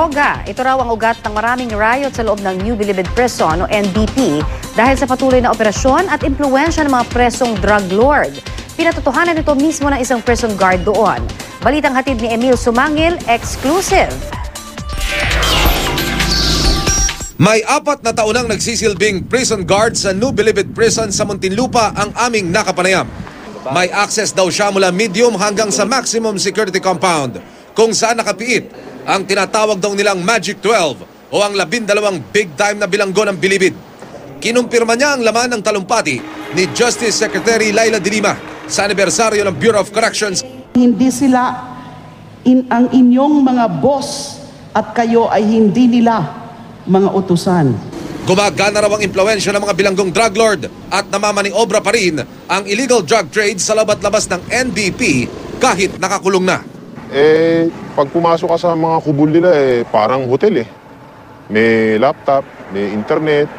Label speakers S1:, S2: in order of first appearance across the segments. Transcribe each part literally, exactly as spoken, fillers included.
S1: Droga, ito raw ang ugat ng maraming riot sa loob ng New Bilibid Prison o N B P dahil sa patuloy na operasyon at impluwensya ng mga presong drug lord. Pinatotohanan ito mismo ng isang prison guard doon. Balitang hatid ni Emil Sumangil, exclusive.
S2: May apat na taon nang nagsisilbing prison guard sa New Bilibid Prison sa Muntinlupa ang aming nakapanayam. May access daw siya mula medium hanggang sa maximum security compound kung saan nakapiit ang tinatawag daw nilang Magic twelve o ang labindalawang big time na bilanggo ng Bilibid. Kinumpirma niya ang laman ng talumpati ni Justice Secretary Laila de Lima sa anibersaryo ng Bureau of Corrections.
S3: Hindi sila in, ang inyong mga boss at kayo ay hindi nila mga utusan.
S2: Gumagana raw ang impluwensya ng mga bilanggong drug lord at namamaniobra pa rin ang illegal drug trade sa labat-labas ng N B P kahit nakakulong na.
S4: Eh, pag pumasok ka sa mga kubol nila, eh, parang hotel eh. May laptop, may internet,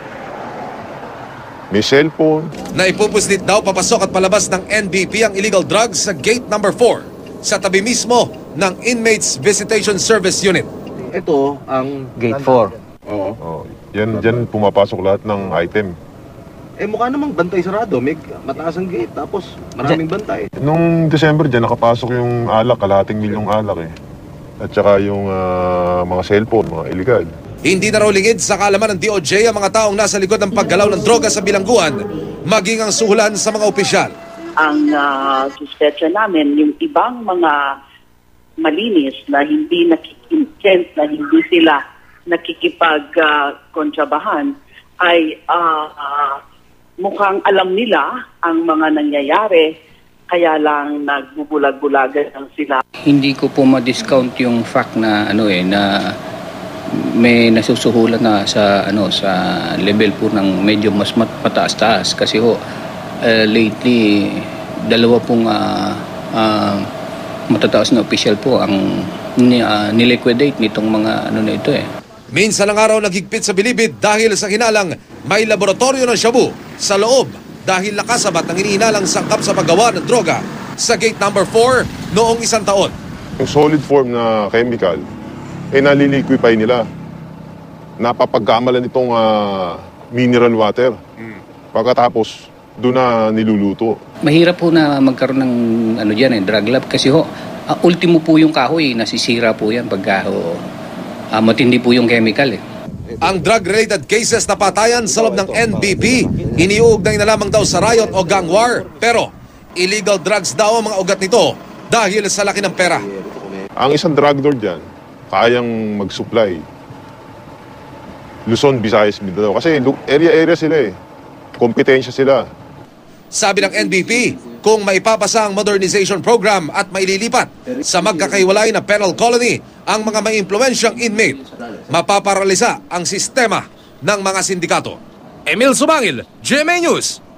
S4: may cellphone.
S2: Naipupuslit daw papasok at palabas ng N B P ang illegal drugs sa gate number four sa tabi mismo ng Inmates Visitation Service Unit.
S5: Ito ang gate four. Oo.
S4: Oh, yan, dyan pumapasok lahat ng item.
S5: Eh mukha namang bantay sarado, may mataas ang gate, tapos maraming bantay.
S4: Nung December dyan, nakapasok yung alak, kalahating milyong alak eh. At saka yung uh, mga cellphone, mga illegal.
S2: Hindi na raw lingid sa kaalaman ng D O J ang mga taong nasa likod ng paggalaw ng droga sa bilangguan, maging ang suhulan sa mga opisyal.
S6: Ang uh, suspetsa namin, yung ibang mga malinis na hindi nakikintend, na hindi sila nakikipag-kontrabahan, uh, ay uh, uh, mukhang alam nila ang mga nangyayari, kaya lang nagbubulag-bulagan lang sila.
S7: Hindi ko po ma-discount yung fact na ano eh na may nasusuhulan na sa ano sa level po ng medyo mas mataas-taas kasi ho uh, lately dalawa pong uh, uh, matataas na official po ang uh, niliquidate nitong mga ano na ito eh.
S2: Minsan ang araw naghigpit sa Bilibid dahil sa hinalang may laboratorio ng shabu sa loob dahil nakasabat ng iniinalang sangkap sa paggawa ng droga sa gate number four noong isang taon.
S4: Yung solid form na chemical, eh naliliquify nila. Napapagkamalan itong uh, mineral water. Pagkatapos, doon na niluluto.
S7: Mahirap po na magkaroon ng ano diyan eh, drug lab kasi ho, uh, ultimo po yung kahoy, nasisira po yan pagka ho, uh, matindi po yung chemical eh.
S2: Ang drug-related cases na patayan sa loob ng N B P, iniuugnay na lamang daw sa riot o gang war. Pero illegal drugs daw ang mga ugat nito dahil sa laki ng pera.
S4: Ang isang drug lord dyan, kayang mag-supply. Luzon, Visayas, Mindanao. Kasi area-area sila eh. Kompetensya sila.
S2: Sabi ng N B P, kung maipapasa ang modernization program at maililipat sa magkakaiwalay na penal colony ang mga may impluwensyang inmate, mapaparalisa ang sistema ng mga sindikato. Emil Sumangil, G M A News.